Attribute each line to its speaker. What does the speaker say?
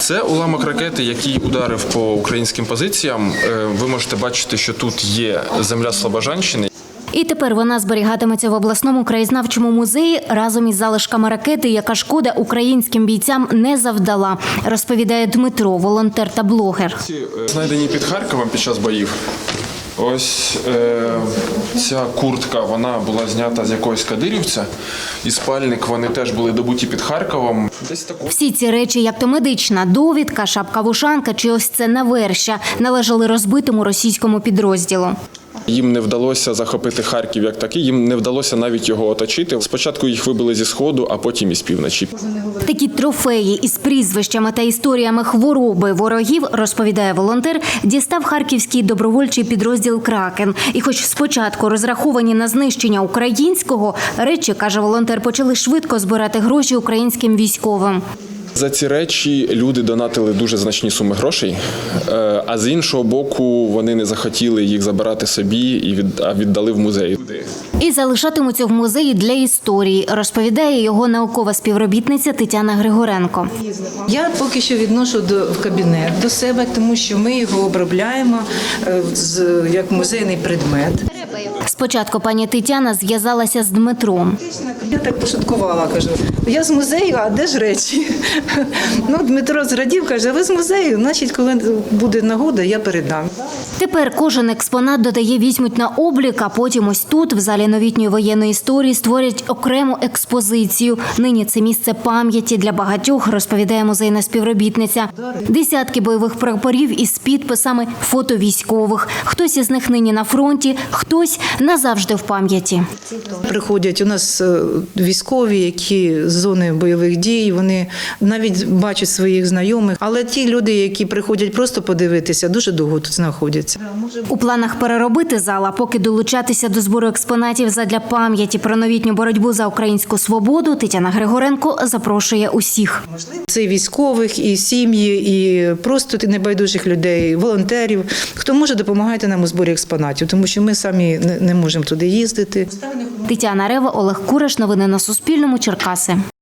Speaker 1: Це уламок ракети, який ударив по українським позиціям. Ви можете бачити, що тут є земля Слобожанщини.
Speaker 2: І тепер вона зберігатиметься в обласному краєзнавчому музеї разом із залишками ракети, яка шкода українським бійцям не завдала, розповідає Дмитро, волонтер та блогер.
Speaker 1: Знайдені під Харковом під час боїв. Ось ця куртка, вона була знята з якогось кадирівця. І спальник, вони теж були добуті під Харковом.
Speaker 2: Всі ці речі, як то медична довідка, шапка-вушанка чи ось це навершя, належали розбитому російському підрозділу.
Speaker 1: Їм не вдалося захопити Харків як такий, їм не вдалося навіть його оточити. Спочатку їх вибили зі Сходу, а потім із півночі.
Speaker 2: Такі трофеї із прізвищами та історіями хвороби ворогів, розповідає волонтер, дістав харківський добровольчий підрозділ «Кракен». І хоч спочатку розраховані на знищення українського, речі, каже волонтер, почали швидко збирати гроші українським військовим.
Speaker 1: За ці речі люди донатили дуже значні суми грошей, а з іншого боку вони не захотіли їх забирати собі, а віддали в музей.
Speaker 2: І залишатимуться в музеї для історії, розповідає його наукова співробітниця Тетяна Григоренко.
Speaker 3: Я поки що відношу в кабінет до себе, тому що ми його обробляємо як музейний предмет.
Speaker 2: Спочатку пані Тетяна зв'язалася з Дмитром.
Speaker 3: Я так пошуткувала, кажу, я з музею, а де ж речі? Ну, Дмитро зрадів, каже, ви з музею, значить, коли буде нагода, я передам.
Speaker 2: Тепер кожен експонат, додає, візьмуть на облік, а потім ось тут, в залі новітньої воєнної історії, створять окрему експозицію. Нині це місце пам'яті для багатьох, розповідає музейна співробітниця. Десятки бойових прапорів із підписами фото військових. Хтось із них нині на фронті, хтось назавжди в пам'яті.
Speaker 3: Приходять у нас військові, які з зони бойових дій, вони навіть бачать своїх знайомих. Але ті люди, які приходять просто подивитися, дуже довго тут знаходяться.
Speaker 2: У планах переробити зал, а поки долучатися до збору експонатів задля пам'яті про новітню боротьбу за українську свободу, Тетяна Григоренко запрошує усіх.
Speaker 3: Це і військових, і сім'ї, і просто небайдужих людей, волонтерів. Хто може, допомагайте нам у зборі експонатів, тому що ми самі не можемо туди їздити.
Speaker 2: Тетяна Рева, Олег Кураш. Новини на Суспільному. Черкаси.